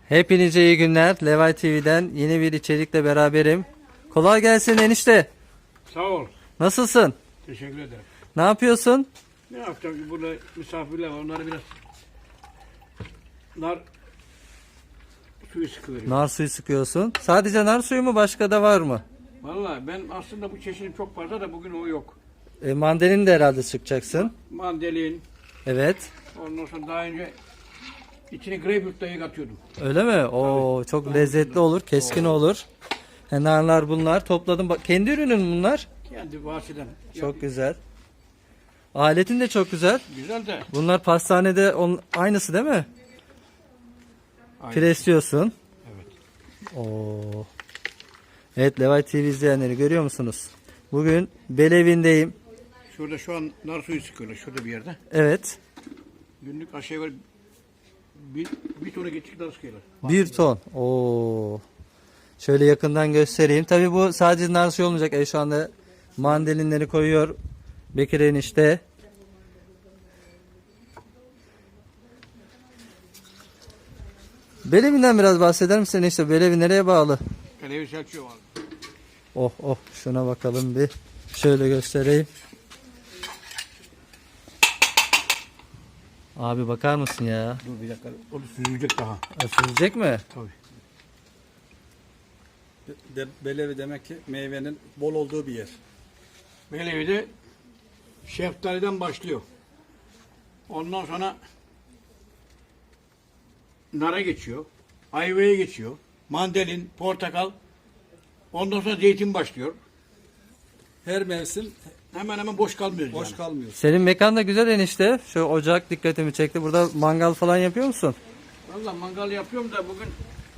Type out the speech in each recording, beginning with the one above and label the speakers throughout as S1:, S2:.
S1: Hepinize iyi günler. Levay TV'den yeni bir içerikle beraberim. Kolay gelsin enişte.
S2: Sağ ol.
S1: Nasılsın?
S2: Teşekkür ederim.
S1: Ne yapıyorsun?
S2: Ne yapacağım? Burada misafirler var. Onlara biraz nar suyu sıkıveriyorum.
S1: Nar suyu sıkıyorsun. Sadece nar suyu mu, başka da var mı?
S2: Vallahi ben aslında bu çeşidim çok fazla da bugün o yok.
S1: Mandalini de herhalde sıkacaksın.
S2: Mandalin.
S1: Evet.
S2: Ondan sonra daha önce içine greyfurt dahi katıyordum.
S1: Öyle mi? Oo, çok lezzetli olur, keskin olur. Narlar bunlar. Topladım. Bak, kendi ürünün mü bunlar?
S2: Kendi bahçeden.
S1: Çok güzel. Aletin de çok güzel.
S2: Güzel de.
S1: Bunlar pastanede aynısı değil mi?
S2: Aynen.
S1: Presliyorsun.
S2: Evet.
S1: Oo. Evet, Levay TV izleyenleri görüyor musunuz? Bugün Belevi'ndeyim.
S2: Şurada şu an nar suyu sıkıyorlar. Şurada bir yerde.
S1: Evet.
S2: Günlük aşağı yukarı bir tona geçik nar sıkıyorlar.
S1: 1 ton. Oo. Şöyle yakından göstereyim. Tabii bu sadece nar suyu olmayacak. Şu anda mandalinleri koyuyor Bekir enişte. Belevi'nden biraz bahseder misin enişte? Belevi nereye bağlı?
S2: Kalevi Selçuk var.
S1: Oh oh, şuna bakalım bir. Şöyle göstereyim. Abi bakar mısın ya?
S2: Dur bir dakika. O da süzülecek daha.
S1: Süzecek mi?
S2: Tabii.
S3: Belevi demek ki meyvenin bol olduğu bir yer.
S2: Belevi'de şeftaliden başlıyor. Ondan sonra nara geçiyor. Ayvaya geçiyor. Mandalin, portakal. Ondan sonra zeytin başlıyor.
S3: Her mevsim
S2: Hemen hemen boş kalmıyoruz
S3: boş
S2: yani.
S3: kalmıyor.
S1: Senin mekan da güzel enişte. Şu ocak dikkatimi çekti. Burada mangal falan yapıyor musun?
S2: Valla mangal yapıyorum da bugün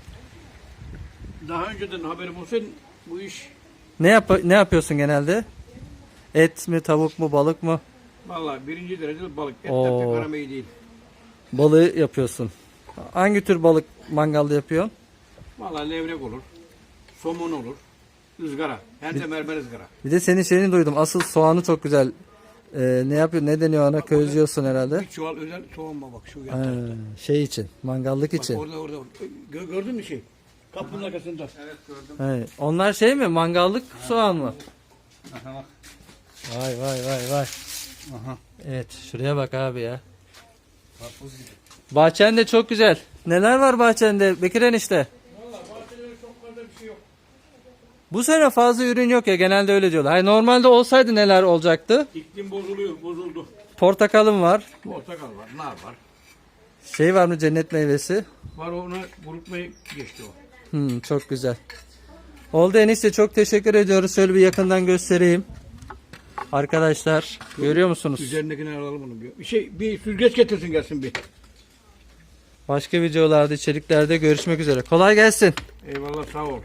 S2: daha önceden haberim olsaydı bu iş
S1: Ne yapıyorsun genelde? Et mi, tavuk mu, balık mı?
S2: valla birinci derecede balık. Et
S1: Oo.
S2: de pek aram iyi değil.
S1: Balığı yapıyorsun. Hangi tür balık mangalda yapıyorsun?
S2: Valla levrek olur. Somon olur. ızgara. Hem de mermer ızgara.
S1: Bir de senin şeyini duydum. Asıl soğanı çok güzel. Ne yapıyor? Ne deniyor ona? Közlüyorsun herhalde.
S2: Bir çuval özel soğan var bak şu
S1: Ha,
S2: yan.
S1: şey için, mangallık
S2: Bak
S1: için.
S2: orada. Gördün mü şey? Kapının arkasında.
S3: Evet gördüm.
S1: Evet. Onlar şey mi? Mangallık soğan mı?
S3: Aha bak.
S1: Vay vay vay vay.
S3: Aha.
S1: Evet, şuraya bak abi ya.
S3: Karpuz gibi.
S1: Bahçen de çok güzel. Neler var bahçende Bekir enişte?
S2: Valla bahçede çok fazla bir şey yok.
S1: Bu sene fazla ürün yok ya, genelde öyle diyorlar. Hayır, normalde olsaydı neler olacaktı?
S2: İklim bozuldu.
S1: Portakalım var.
S2: Portakal var, nar var.
S1: Şey var mı, cennet meyvesi?
S2: Var ona kurutmayı geçti o.
S1: Çok güzel. Oldu enişte, çok teşekkür ediyoruz. Şöyle bir yakından göstereyim. Arkadaşlar görüyor musunuz?
S2: Üzerindekini alalım onu bir. Bir süzgeç getirsin gelsin bir.
S1: Başka videolarda, içeriklerde görüşmek üzere. Kolay gelsin.
S2: Eyvallah sağ ol.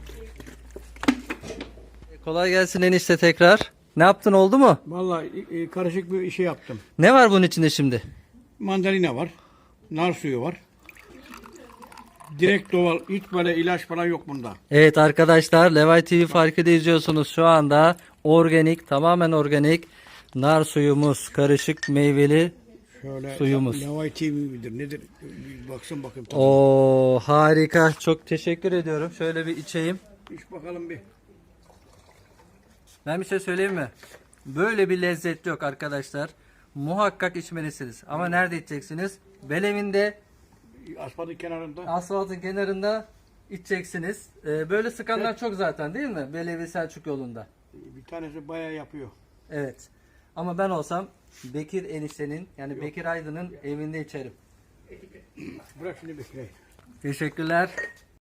S1: Kolay gelsin enişte tekrar. Ne yaptın, oldu mu?
S2: Valla karışık bir şey yaptım.
S1: Ne var bunun içinde şimdi?
S2: Mandalina var. Nar suyu var. Direkt doğal. Hiç böyle ilaç falan yok bunda.
S1: Evet arkadaşlar, Levay TV Farkı'da izliyorsunuz şu anda. Organik, tamamen organik nar suyumuz, karışık meyveli
S2: Şöyle
S1: suyumuz.
S2: Levay TV midir nedir? Bir baksın bakayım. Tamam.
S1: Oo, harika. Çok teşekkür ediyorum. Şöyle bir içeyim.
S2: İç bakalım bir.
S1: Ben bir şey söyleyeyim mi? Böyle bir lezzet yok arkadaşlar. Muhakkak içmelisiniz. Ama nerede içeceksiniz? Belevinde,
S2: Asfaltın kenarında.
S1: asfaltın kenarında içeceksiniz. Böyle sıkanlar çok zaten, değil mi? Belevi Selçuk yolunda.
S2: Bir tanesi bayağı yapıyor.
S1: Evet. Ama ben olsam Bekir eniştenin, yani Bekir Aydın'ın evinde içerim.
S2: Bırak şimdi bekle.
S1: Teşekkürler.